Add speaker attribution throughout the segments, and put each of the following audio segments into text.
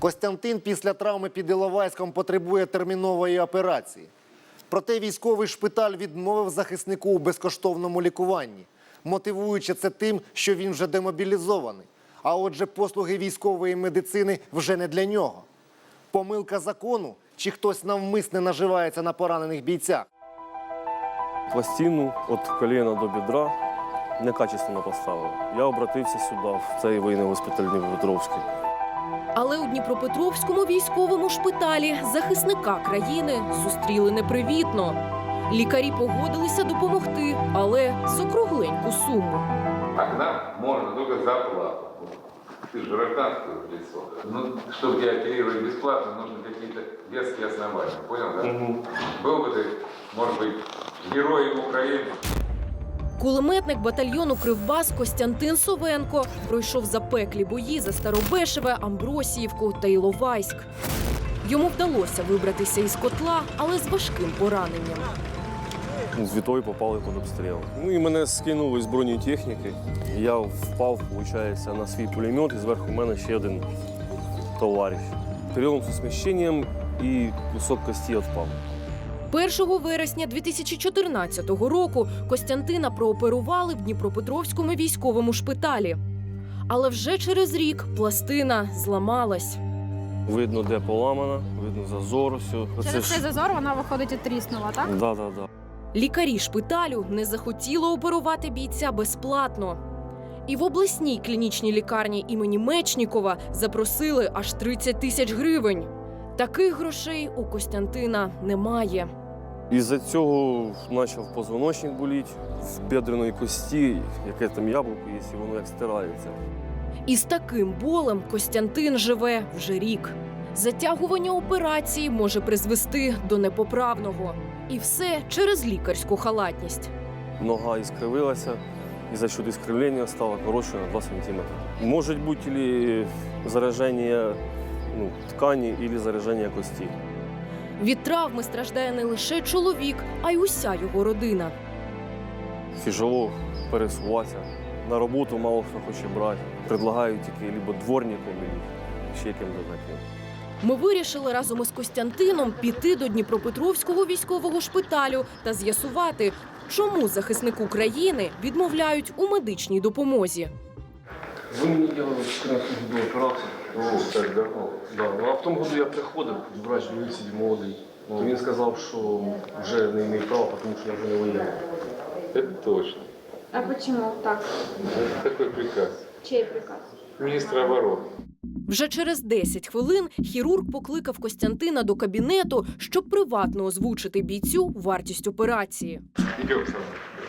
Speaker 1: Костянтин після травми під Іловайськом потребує термінової операції. Проте військовий шпиталь відмовив захиснику у безкоштовному лікуванні, мотивуючи це тим, що він вже демобілізований. А отже, послуги військової медицини вже не для нього. Помилка закону чи хтось навмисне наживається на поранених бійцях?
Speaker 2: Пластину від коліна до бідра некачественно поставили. Я обратився сюди, в цей воєнний госпіталь Дніпропетровський.
Speaker 3: Але у Дніпропетровському військовому шпиталі захисника країни зустріли непривітно. Лікарі погодилися допомогти, але за кругленьку суму.
Speaker 4: А к нам можно только за плату. Ты же гражданское лицо. Ну, чтобы тебя оперировать бесплатно, нужны какие-то веские основания. Понял, да? Был бы ты, может быть, героем Украины.
Speaker 3: Кулеметник батальйону «Кривбас» Костянтин Совенко пройшов запеклі бої за Старобешеве, Амбросіївку та Іловайськ. Йому вдалося вибратися із котла, але з важким пораненням.
Speaker 2: З Вітою попали під обстріл. Ну і мене скинули з бронетехніки. Я впав, виходить, на свій пулемет, і зверху мене ще один товариш. Перелом з сміщенням і кусок кості відпав.
Speaker 3: 1 вересня 2014 року Костянтина прооперували в Дніпропетровському військовому шпиталі. Але вже через рік пластина зламалась.
Speaker 2: Видно, де поламана, видно зазор. Все.
Speaker 5: Через цей зазор вона, виходить, і тріснула, так?
Speaker 2: Да.
Speaker 3: Лікарі шпиталю не захотіли оперувати бійця безплатно. І в обласній клінічній лікарні імені Мечнікова запросили аж 30 тисяч гривень. Таких грошей у Костянтина немає.
Speaker 2: Із-за цього почав позвоночник боліти, в бедреної кості, яке там яблуко є, і воно як стирається.
Speaker 3: І з таким болем Костянтин живе вже рік. Затягування операції може призвести до непоправного. І все через лікарську халатність.
Speaker 2: Нога іскривилася, і за счет іскривлення стала коротшою на 2 см. Може бути або зараження ткані, або зараження кості.
Speaker 3: Від травми страждає не лише чоловік, а й уся його родина.
Speaker 2: Тяжело пересуватися. На роботу мало хто хоче брати. Предлагають тільки або дворником, або ще ким-то таким.
Speaker 3: Ми вирішили разом із Костянтином піти до Дніпропетровського військового шпиталю та з'ясувати, чому захиснику країни відмовляють у медичній допомозі.
Speaker 2: Ви мені робили в 14 году операцію.
Speaker 4: Так, да?
Speaker 2: Да. Ну, а в тому году я приходив, врач дивився молодий. Він сказав, що вже не маю права, тому що я вже не воєнний.
Speaker 4: Это точно.
Speaker 5: А почему так?
Speaker 4: Это такой приказ.
Speaker 5: Чий приказ?
Speaker 4: Министра обороны.
Speaker 3: Вже через 10 хвилин хірург покликав Костянтина до кабінету, щоб приватно озвучити бійцю вартість операції.
Speaker 4: Идем со мной.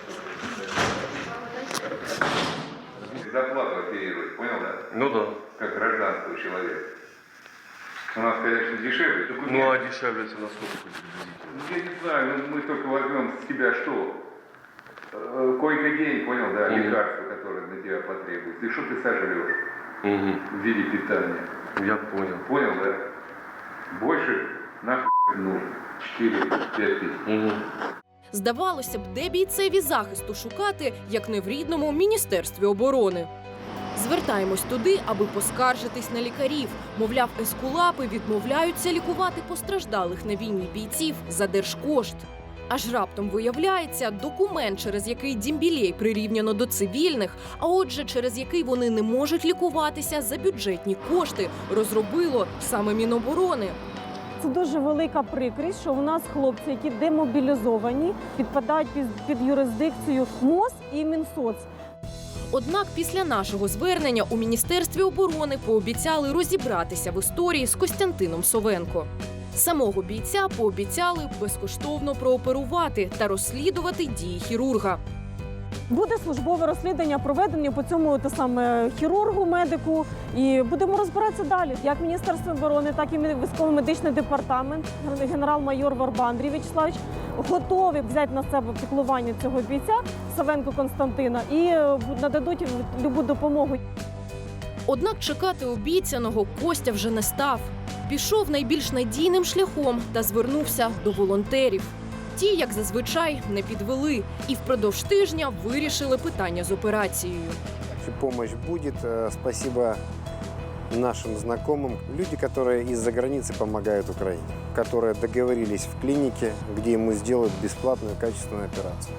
Speaker 4: Зарплату оперировать, понял, да?
Speaker 2: Ну да.
Speaker 4: Как гражданского человека. У нас, конечно, дешевле.
Speaker 2: Ну а дешевле это насколько приблизительно?
Speaker 4: Я не знаю, мы только возьмем с тебя что? Койко-день, понял, да, лекарства, которые на тебя потребуются. И что ты сожрешь в виде питания?
Speaker 2: Я понял.
Speaker 4: Понял, да? Больше нахуй нужно. 4-5 тысяч.
Speaker 3: Здавалося б, де бійцеві захисту шукати, як не в рідному Міністерстві оборони. Звертаємось туди, аби поскаржитись на лікарів. Мовляв, ескулапи відмовляються лікувати постраждалих на війні бійців за держкошт. Аж раптом виявляється, документ, через який Дімбілей прирівняно до цивільних, а отже, через який вони не можуть лікуватися за бюджетні кошти, розробило саме Міноборони.
Speaker 6: Це дуже велика прикрість, що у нас хлопці, які демобілізовані, підпадають під юрисдикцію МОЗ і Мінсоц.
Speaker 3: Однак після нашого звернення у Міністерстві оборони пообіцяли розібратися в історії з Костянтином Совенко. Самого бійця пообіцяли безкоштовно прооперувати та розслідувати дії хірурга.
Speaker 6: Буде службове розслідування проведення по цьому хірургу, медику, і будемо розбиратися далі. Як Міністерство оборони, так і військово-медичний департамент, генерал-майор Варба Андрій Вячеславович готові взяти на себе піклування цього бійця Совенко Костянтина і нададуть любу допомогу.
Speaker 3: Однак чекати обіцяного Костя вже не став. Пішов найбільш надійним шляхом та звернувся до волонтерів. Ті, як зазвичай, не підвели і впродовж тижня вирішили питання з операцією.
Speaker 7: Помощь будет. Спасибо нашим знакомым. Люди, которые из-за границы помогают Украине, которые договорились в клинике, где ему сделают бесплатную качественную операцию.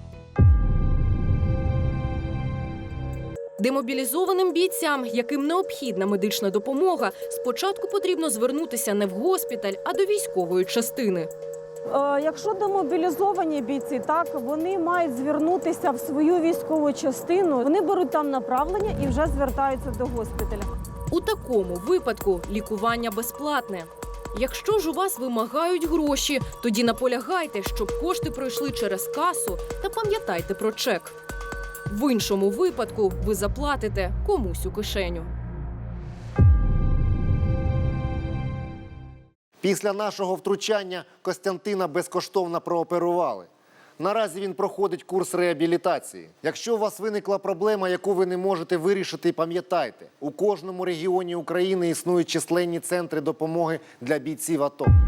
Speaker 3: Демобілізованим бійцям, яким необхідна медична допомога, спочатку потрібно звернутися не в госпіталь, а до військової частини.
Speaker 6: Якщо демобілізовані бійці, так, вони мають звернутися в свою військову частину, вони беруть там направлення і вже звертаються до госпіталя.
Speaker 3: У такому випадку лікування безплатне. Якщо ж у вас вимагають гроші, тоді наполягайте, щоб кошти пройшли через касу, та пам'ятайте про чек. В іншому випадку ви заплатите комусь у кишеню.
Speaker 1: Після нашого втручання Костянтина безкоштовно прооперували. Наразі він проходить курс реабілітації. Якщо у вас виникла проблема, яку ви не можете вирішити, пам'ятайте, у кожному регіоні України існують численні центри допомоги для бійців АТО.